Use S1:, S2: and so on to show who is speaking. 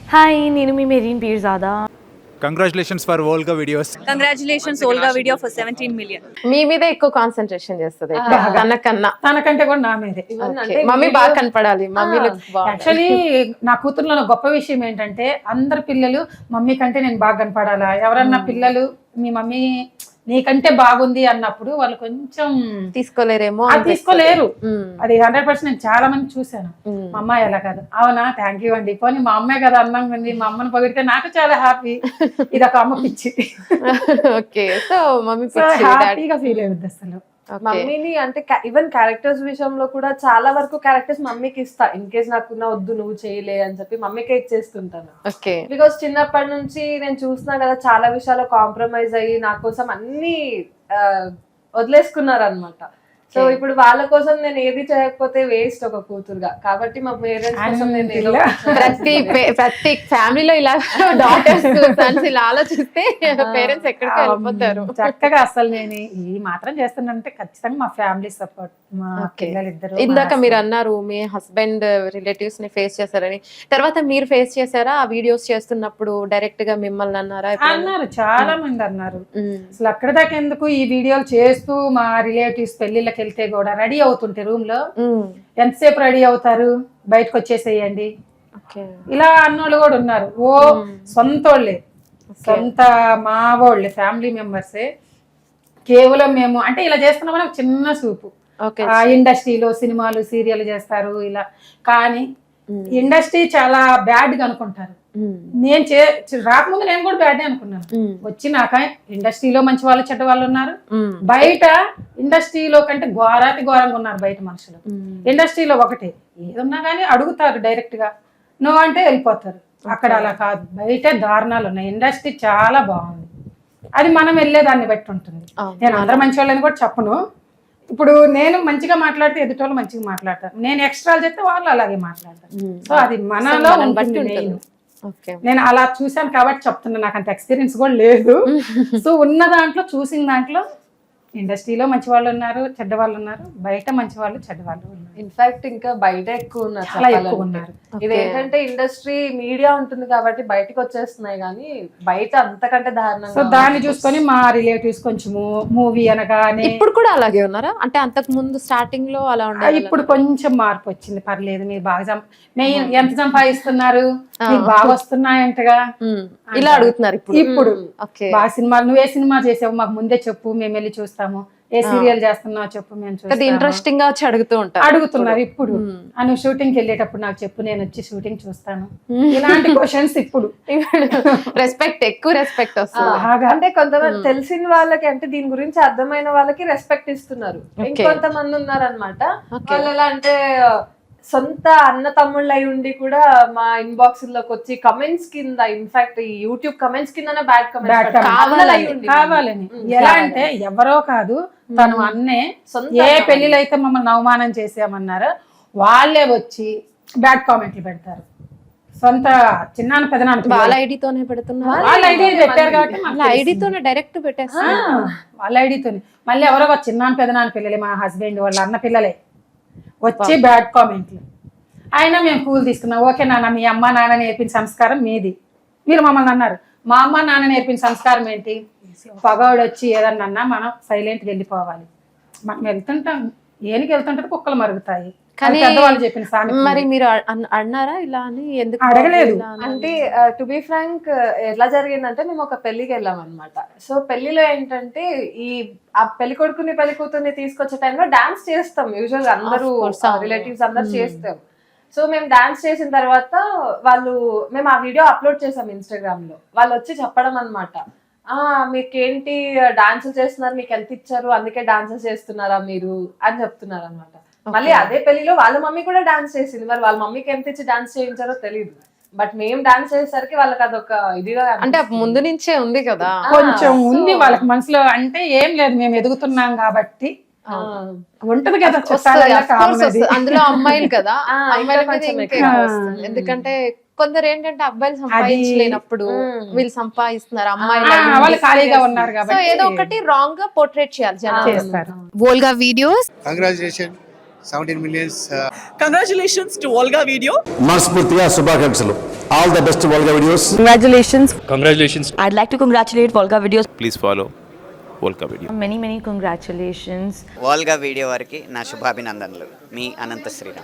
S1: Hi, నేను మీ Mareen Peerzada.
S2: Congratulations for Volga videos.
S3: Congratulations Volga video for 17 million.
S4: మీ మీద ఎక్కువ కాన్సన్ట్రేషన్ చేస్తుంది తనకన్నా.
S5: తనకంటే కూడా నా మీదే.
S4: మమ్మీ బాగా కనపడాలి. మమ్మీ
S5: యాక్చువల్లీ నా కూతురులో గొప్ప విషయం ఏంటంటే అందరు పిల్లలు మమ్మీ కంటే నేను బాగా కనపడాలా. ఎవరన్నా పిల్లలు మీ మమ్మీ నీకంటే బాగుంది అన్నప్పుడు వాళ్ళు కొంచెం
S4: తీసుకోలేరేమో.
S5: అది తీసుకోలేరు. అది 100% నేను చాలా మంది చూసాను. మా అమ్మాయి అలా కాదు. అవునా, థ్యాంక్ యూ అండి, పోనీ మా అమ్మాయి కదా అందంగా ఉంది, మా అమ్మని పొగిడితే నాకు చాలా హ్యాపీ. ఇది ఒక అమ్మ పిచ్చి.
S4: ఓకే, సో మమ్మీ
S5: హ్యాపీగా ఫీల్ అయ్యింది అసలు.
S6: మమ్మీని అంటే ఈవెన్ క్యారెక్టర్స్ విషయంలో కూడా చాలా వరకు క్యారెక్టర్స్ మమ్మీకి ఇస్తా. ఇన్ కేస్ నాకున్న వద్దు నువ్వు చేయలే అని చెప్పి మమ్మీకే ఇచ్చేస్తుంటాను. బికాస్ చిన్నప్పటి నుంచి నేను చూసినా కదా చాలా విషయాల్లో కాంప్రమైజ్ అయ్యి నా కోసం అన్ని వదిలేసుకున్నారు అనమాట. సో ఇప్పుడు వాళ్ళ కోసం నేను ఏది చేయకపోతే వేస్ట్ ఒక కూతురుగా. కాబట్టి మా పేరెంట్స్ కోసం నేను
S4: ప్రతి ఫ్యామిలీలో ఇలా డాటర్స్ సన్స్ ఇలా ఆలోచిస్తే పేరెంట్స్ ఎక్కడికి వెళ్ళిపోతారు.
S5: చక్కగా అసలు నేను ఈ మాత్రం చేస్తున్నానంటే ఖచ్చితంగా మా ఫ్యామిలీ సపోర్ట్. మా పిల్లలిద్దరు.
S4: ఇందాక మీరు అన్నారు మీ హస్బెండ్ రిలేటివ్స్ ని ఫేస్ చేశారని, తర్వాత మీరు ఫేస్ చేశారా ఆ వీడియోస్ చేస్తున్నప్పుడు? డైరెక్ట్ గా మిమ్మల్ని అన్నారా?
S5: అన్నారు, చాలా మంది అన్నారు. అసలు అక్కడ దాకా ఎందుకు, ఈ వీడియోలు చేస్తూ మా రిలేటివ్స్ పెళ్లిళ్ళకి వెళ్తే కూడా రెడీ అవుతుంటే రూమ్ లో ఎంతసేపు రెడీ అవుతారు, బయటకు వచ్చేసేయండి ఇలా అన్నోళ్ళు కూడా ఉన్నారు. ఓ సొంతోళ్ళే, సొంత మా వాళ్ళే, ఫ్యామిలీ మెంబర్సే. కేవలం మేము అంటే ఇలా చేస్తున్నామని ఒక చిన్న చూపు. ఇండస్ట్రీలో సినిమాలు సీరియల్ చేస్తారు ఇలా, కానీ ఇండస్ట్రీ చాలా బ్యాడ్ గా అనుకుంటారు. నేను రాకముందు నేను కూడా బ్యాడ్ అనుకున్నాను. వచ్చినాక ఇండస్ట్రీలో మంచి వాళ్ళు చెడ్డ వాళ్ళు ఉన్నారు, బయట ఇండస్ట్రీలో కంటే ఘోరాతి ఘోరంగా ఉన్నారు బయట మనుషులు. ఇండస్ట్రీలో ఒకటే, ఏదన్నా కానీ అడుగుతారు డైరెక్ట్ గా, నువ్వు అంటే వెళ్ళిపోతారు. అక్కడ అలా కాదు, బయట దారుణాలు ఉన్నాయి. ఇండస్ట్రీ చాలా బాగుంది. అది మనం వెళ్ళేదాన్ని బట్టి ఉంటుంది. నేను అందరూ మంచి వాళ్ళని కూడా చెప్పను. ఇప్పుడు నేను మంచిగా మాట్లాడితే ఎదుటోళ్ళు మంచిగా మాట్లాడతారు, నేను ఎక్స్ట్రాలు చెప్తే వాళ్ళు అలాగే మాట్లాడతారు. సో అది మనలో ఉంటుంది. నేను అలా చూశాను కాబట్టి చెప్తున్నా, నాకు అంత ఎక్స్పీరియన్స్ కూడా లేదు. సో ఉన్న దాంట్లో చూసిన దాంట్లో ఇండస్ట్రీలో మంచి వాళ్ళు ఉన్నారు, చెడ్డ వాళ్ళు ఉన్నారు, బయట మంచి వాళ్ళు చెడ్డ వాళ్ళు ఉన్నారు.
S6: ఇన్ఫాక్ట్ ఇంకా బయట ఎక్కువ ఉన్నారు. ఇదేంటంటే ఇండస్ట్రీ మీడియా ఉంటుంది కాబట్టి బయటకు వచ్చేస్తున్నాయి, కానీ బయట అంతకంటే దారుణంగా.
S5: సో దాన్ని చూసుకొని మా రిలేటివ్స్ కొంచెము మూవీ అనగానే.
S4: ఇప్పుడు కూడా అలాగే ఉన్నారా? అంటే అంతకు ముందు స్టార్టింగ్ లో అలా ఉండాలి,
S5: ఇప్పుడు కొంచెం మార్పు వచ్చింది. పర్లేదు, మీరు బాగా ఎంత సంపాదిస్తున్నారు, బాగా వస్తున్నాయంటగా
S4: ఇలా అడుగుతున్నారు
S5: ఇప్పుడు. బాగా సినిమాలు, నువ్వే సినిమా చేసావు మాకు ముందే చెప్పు, మేము వెళ్ళి చూస్తాము. ఏ సీరియల్ చేస్తున్నావు చెప్పు, మేము చూస్తాము.
S4: ఇంట్రెస్టింగ్ గా వచ్చి
S5: అడుగుతున్నారు ఇప్పుడు. నువ్వు షూటింగ్ కి వెళ్ళేటప్పుడు నాకు చెప్పు, నేను వచ్చి షూటింగ్ చూస్తాను. ఇలాంటి క్వశ్చన్స్ ఇప్పుడు.
S4: ఎక్కువ రెస్పెక్ట్ వస్తుంది.
S6: అంటే కొంతమంది తెలిసిన వాళ్ళకి, అంటే దీని గురించి అర్థమైన వాళ్ళకి రెస్పెక్ట్ ఇస్తున్నారు. ఇంకొంతమంది ఉన్నారనమాట, వాళ్ళు ఎలా అంటే సొంత అన్న తమ్ముళ్ళు అయి ఉండి కూడా మా ఇన్బాక్స్ లోకి వచ్చి కమెంట్స్ కింద, ఇన్ఫాక్ట్ ఈ యూట్యూబ్ కమెంట్స్ కింద బ్యాడ్ కమెంట్స్
S5: కావాలని. ఎలా అంటే ఎవరో కాదు, తను అన్నే ఏ పెళ్లిలో అయితే మమ్మల్ని అవమానం చేసామన్నారో వాళ్ళే వచ్చి బ్యాడ్ కామెంట్లు పెడతారు. సొంత చిన్నాన్న పెదనాన్న
S4: వాళ్ళ ఐడితోనే పెడుతున్నారు.
S5: వాళ్ళ ఐడి పెట్టారు కాబట్టి
S4: ఐడితోనే డైరెక్ట్ పెట్టేస్తారు.
S5: వాళ్ళ ఐడితోనే. మళ్ళీ ఎవరో చిన్నాన్న పెదనాన్న పిల్లలే, మా హస్బెండ్ వాళ్ళ అన్న పిల్లలే వచ్చి బ్యాడ్ కామెంట్లు. అయినా మేము కూల్ తీసుకున్నాం. ఓకే నాన్న, మీ అమ్మ నాన్న నేర్పిన సంస్కారం మీది. మీరు మమ్మల్ని అన్నారు, మా అమ్మ నాన్న నేర్పిన సంస్కారం ఏంటి? పగవాడు వచ్చి ఏదన్నా మనం సైలెంట్గా వెళ్ళిపోవాలి. మనం వెళ్తుంటాం, ఏనికి వెళ్తుంటే కుక్కలు మరుగుతాయి.
S4: కానీ
S5: పెద్దవాళ్ళు చెప్పిన సామెత.
S4: మరి మీరు అన్నారా ఇలా అని? ఎందుకు
S5: అడగలేదు.
S6: అంటే టు బి ఫ్రాంక్ ఎలా జరిగిందంటే, మేము ఒక పెళ్లికి వెళ్ళాం అనమాట. సో పెళ్లిలో ఏంటంటే ఆ పెళ్లి కొడుకుని పెళ్లి కూతుర్ని తీసుకొచ్చే టైంలో డాన్స్ చేస్తాం యూజువల్ గా, అందరూ రిలేటివ్స్ అందరు చేస్తాం. సో మేము డాన్స్ చేసిన తర్వాత మేము ఆ వీడియో అప్లోడ్ చేసాం ఇన్స్టాగ్రామ్ లో. వాళ్ళు వచ్చి చెప్పడం అనమాట, మీకేంటి డాన్సులు చేస్తున్నారు, మీకు ఎంత ఇచ్చారు, అందుకే డాన్సెస్ చేస్తున్నారా మీరు అని చెప్తున్నారు అనమాట. మళ్ళీ అదే పెళ్లిలో వాళ్ళ మమ్మీ కూడా డాన్స్ చేసింది. మరి వాళ్ళ మమ్మీకి ఎంత ఇచ్చి డాన్స్ చేయించారో తెలియదు, బట్ మేము డాన్స్ చేసేసరికి వాళ్ళకి అదొక ఇదిగా,
S4: అంటే ముందు నుంచే ఉంది కదా,
S5: కొంచెం ఉంది వాళ్ళకి మనసులో. అంటే ఏం లేదు, మేము ఎదుగుతున్నాం కాబట్టి ఉంటది కదా,
S4: అందులో అమ్మాయిలు కదా, ఎందుకంటే కొందరు ఏంటంటే అబ్బాయిలు సంపాదించలేనప్పుడు వీళ్ళు సంపాదిస్తున్నారు, అమ్మాయిలు
S5: ఖాళీగా ఉన్నారు కాబట్టి
S4: ఏదో ఒకటి రాంగ్ గా పోర్ట్రేట్ చేయాలి జనాలు.
S1: Volga videos.
S7: Congratulation 17 millions.
S8: Congratulations to Volga Video.
S9: మనస్ఫూర్తిగా శుభాకాంక్షలు. All the best Volga videos.
S8: Congratulations.
S10: I'd like to congratulate Volga Videos.
S2: Please follow Volga Video.
S1: Many congratulations.
S11: Volga video వారికి నా శుభాభినందనలు. మీ అనంత శ్రీరామ్.